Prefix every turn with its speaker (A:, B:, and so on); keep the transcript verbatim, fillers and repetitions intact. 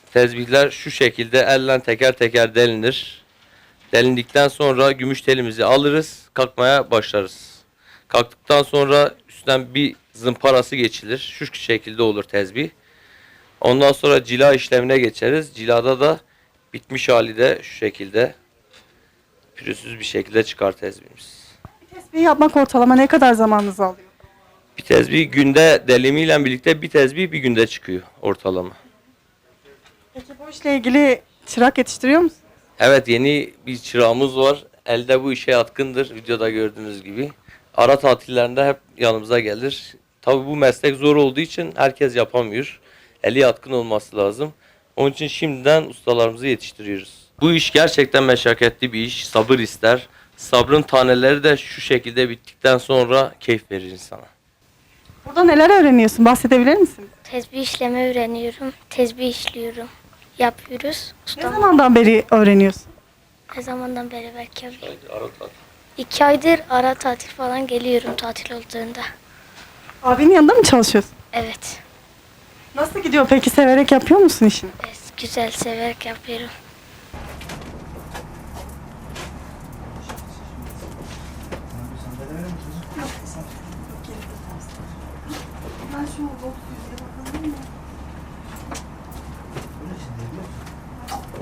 A: Tezbihler şu şekilde elle teker teker delinir. Delindikten sonra gümüş telimizi alırız, kalkmaya başlarız. Kalktıktan sonra üstten bir zımparası geçilir. Şu şekilde olur tezbih. Ondan sonra cila işlemine geçeriz. Cilada da bitmiş hali de şu şekilde pürüzsüz bir şekilde çıkar tezbihimiz.
B: Tesbih yapmak ortalama ne kadar zamanınızı alıyor?
A: Bir tezbih günde delimiyle birlikte bir tezbih bir günde çıkıyor ortalama.
B: Peki bu işle ilgili çırak yetiştiriyor musunuz?
A: Evet, yeni bir çırağımız var. Elde bu işe yatkındır. Videoda gördüğünüz gibi. Ara tatillerinde hep yanımıza gelir. Tabii bu meslek zor olduğu için herkes yapamıyor. Eli yatkın olması lazım. Onun için şimdiden ustalarımızı yetiştiriyoruz. Bu iş gerçekten meşakkatli bir iş. Sabır ister. Sabrın taneleri de şu şekilde bittikten sonra keyif verir insana.
B: Burada neler öğreniyorsun? Bahsedebilir misin?
C: Tezbih işleme öğreniyorum. Tezbih işliyorum. Yapıyoruz.
B: Ne
C: Ustam
B: zamandan beri öğreniyorsun?
C: ne zamandan beri belki abi.
A: Ara tatil.
C: İki aydır ara tatil falan geliyorum tatil olduğunda.
B: Abinin yanında mı çalışıyorsun?
C: Evet.
B: Nasıl gidiyor peki? Severek yapıyor musun işini?
C: Evet, güzel severek yapıyorum.